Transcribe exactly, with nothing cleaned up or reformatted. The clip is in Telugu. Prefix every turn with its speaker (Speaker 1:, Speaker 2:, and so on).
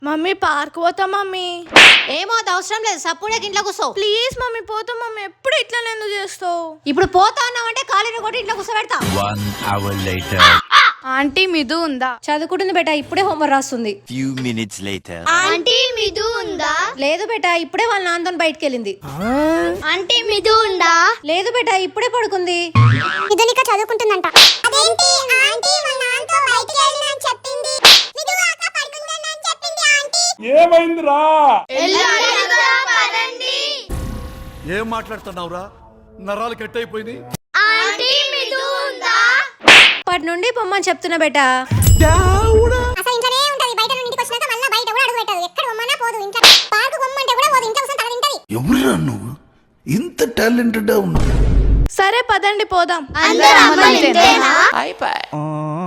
Speaker 1: మమ్మీ పార్క్ పోతా మమ్మీ.
Speaker 2: ఏమో అవసరం లేదు, సప్పుడే ఇంట్లో కూర్చో.
Speaker 1: ప్లీజ్ మమ్మీ పోతా మమ్మీ. ఎప్పుడు ఇట్లా ఎందుకు చేస్తావు?
Speaker 2: ఇప్పుడు పోతా అన్నావంటే కాలేజీ కూడా ఇంట్లో కూర్చోబెడతా.
Speaker 1: ఆంటీ మిదు ఉందా?
Speaker 2: చదువుకుంటుంది బేటా, ఇప్పుడే హోంవర్క్ రాస్తుంది.
Speaker 3: Few minutes later.
Speaker 4: ఆంటీ మిదు ఉందా?
Speaker 2: లేదు బేటా, ఇప్పుడే వాళ్ళ నాన్నతో బయటకు వెళ్ళింది.
Speaker 4: ఆంటీ మిదు ఉందా?
Speaker 2: లేదు బేటా, ఇప్పుడే పడుకుంది.
Speaker 4: మిదునిక చదువుకుంటుందంట. అదేంటి ఆంటీ వాళ్ళ నాన్నతో బయటికి వెళ్ళిందని చెప్పింది. మిదు అక్క పడుకుందని చెప్పింది ఆంటీ.
Speaker 5: ఏమైందిరా?
Speaker 4: ఎల్లుండిగా పదండి.
Speaker 5: ఏం మాట్లాడుతున్నావురా? నరాలు కట్ అయిపోయింది.
Speaker 4: ఆంటీ మిదు ఉందా?
Speaker 2: అప్పటి నుండి పొమ్మని చెప్తున్నా బేటా.
Speaker 4: అసలు ఇంట్లోనే ఉంటది, బయట నుండి ఇంటికి వచ్చినాక మళ్ళీ బయట కూడా అడుగు పెట్టదు. ఎక్కడ పొమ్మన్నా పోదు, ఇంట్లో పార్కు పొమ్మంటే కూడా పోదు, ఇంట్లో కూర్చొని తల తింటది.
Speaker 6: ఎవరురా నువ్వు? ఇంత టాలెంటెడ్ ఉన్నావు.
Speaker 1: సరే పదండి పోదాం.
Speaker 4: అందరూ అమ్మలు ఇంతేనా?
Speaker 3: Bye bye.